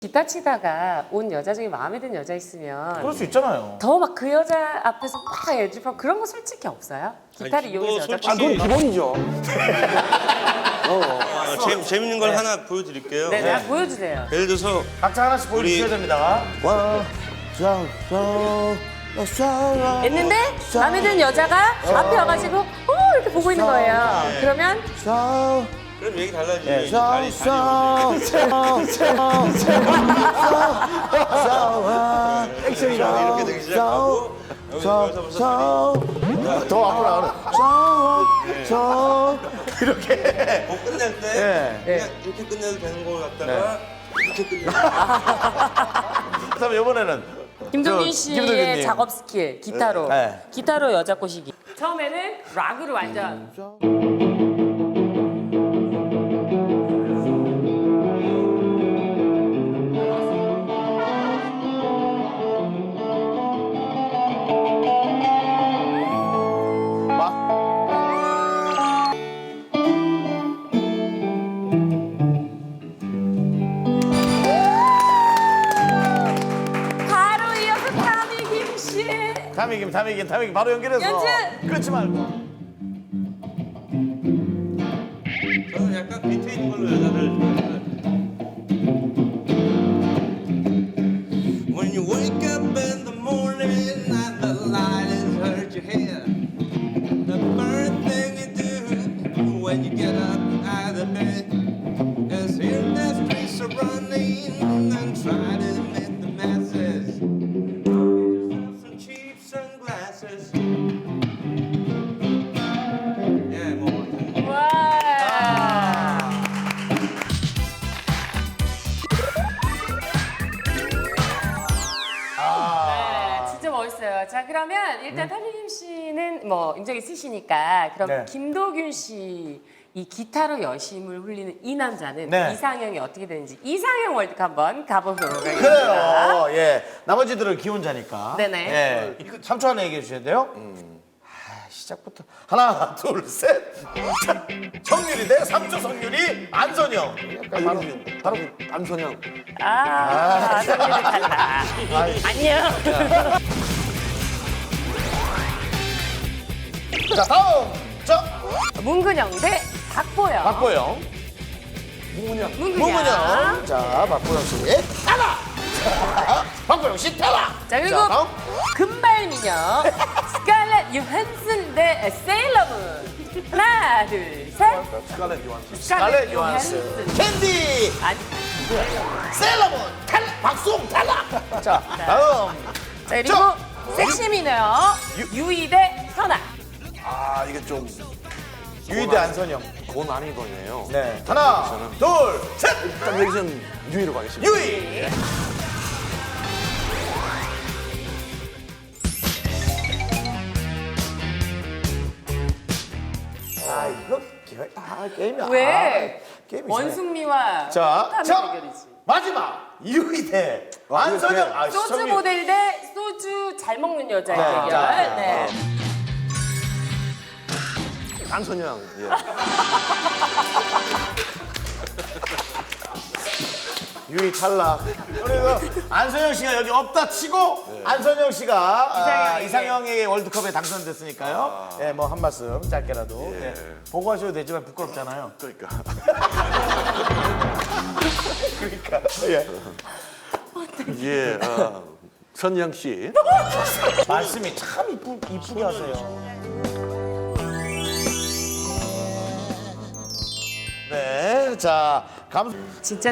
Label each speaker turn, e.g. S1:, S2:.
S1: 기타 치다가 온 여자 중에 마음에 드는 여자 있으면
S2: 그럴 수 있잖아요.
S1: 더 막 그 여자 앞에서 막 애들하고 그런 거 솔직히 없어요? 기타를
S3: 아니,
S1: 이용해서
S3: 그거
S1: 여자
S3: 솔직히-
S4: 그건 기본이죠.
S3: 재밌는 걸 하나 보여드릴게요.
S1: 네, 보여주세요.
S3: 예를 들어서
S2: 각자 하나씩 보여주셔야 됩니다.
S1: 했는데 마음에 드는 여자가 앞에 와가지고 이렇게 보고 있는 거예요. 그러면
S3: 그럼 얘기 달라지지.
S2: 네.
S3: 이제 다리 액션이다. 이렇게 되기 시작하고 여기서부터
S2: 더 앞으로 나가는. 이렇게.
S3: 뭐 끝낼 때
S2: 네.
S3: 그냥 이렇게 끝내도 되는 걸 갖다가 이렇게 끝내.
S2: 그다음에 이번에는
S1: 김동균
S2: 저,
S1: 씨의
S2: 김동균님.
S1: 작업 스킬 기타로
S2: 네.
S1: 기타로 여자 꼬시기. 처음에는 락으로 완전 바로 이어서 타미김 씨.
S2: 타미김 바로 연결해서
S1: 연주!
S2: 끊지 말고.
S3: 저는 약간 밑에 있는 걸로 여자를 좋아해요. When you wake up in the morning and the light has hurt your head, the first thing you do when you get up out of bed is hear the streets are running and try to meet the masses. Get yourself some cheap sunglasses. Yeah, more.
S1: 와. 네, 진짜 멋있어요. 자, 그러면 일단 타미김 씨는 뭐 인정이 있으시니까 그럼
S2: 네.
S1: 김도균 씨 이 기타로 여심을 흘리는 이 남자는
S2: 네.
S1: 이상형이 어떻게 되는지 이상형 월드컵 한번 가보도록 하겠습니다.
S2: 그래요. 예. 나머지들은 기혼자니까.
S1: 네네.
S2: 예. 3초 안에 얘기해 주셔야 돼요. 시작부터 하나, 둘, 셋. 성률이 대 3초 성률이 안선영.
S4: 바로 안선영.
S1: 성질이 달라. 안녕.
S2: 자, 다음. 자,
S1: 문근영 대 박보영.
S2: 박보영. 문근영. 자, 박보영 씨. 따라. 자, 박보영 씨 따라.
S1: 자, 그리고
S2: 자, 다음.
S1: 금발미녀 스칼렛 유한슨 대 세일러문. 하나, 둘, 셋.
S2: 스칼렛 요한슨. 캔디.
S1: 아니,
S2: 셀러문. 탈락. 박수홍 탈락. 자, 다음.
S1: 자, 그리고
S2: 저.
S1: 섹시미녀 유이 대 현아.
S4: 아 이게 좀
S2: 유희대 안선영.
S4: 고 난이 거네요.
S2: 네. 하나, 둘, 셋.
S4: 일단 여기서는 유희로 가겠습니다.
S2: 유희. 아, 이거 게임이야.
S1: 왜?
S2: 게임이
S1: 원숭미와
S2: 자,
S1: 탐의
S2: 자,
S1: 대결이지.
S2: 마지막 유희대 안선영. 아,
S1: 소주
S2: 시청률.
S1: 모델 대 소주 잘 먹는 여자의
S2: 네,
S1: 대결.
S2: 자,
S1: 네.
S4: 안선영. 예.
S2: 유희 탈락. 그리고 안선영 씨가 여기 없다 치고 안선영 씨가 이상형에게 월드컵에 당선됐으니까요. 예, 뭐 한 말씀 짧게라도 예. 보고하셔도 되지만 부끄럽잖아요.
S4: 그러니까.
S2: 그러니까 예.
S4: 예. 선영 씨.
S2: 말씀이 참 이쁘게 하세요. 네, 자
S1: 진짜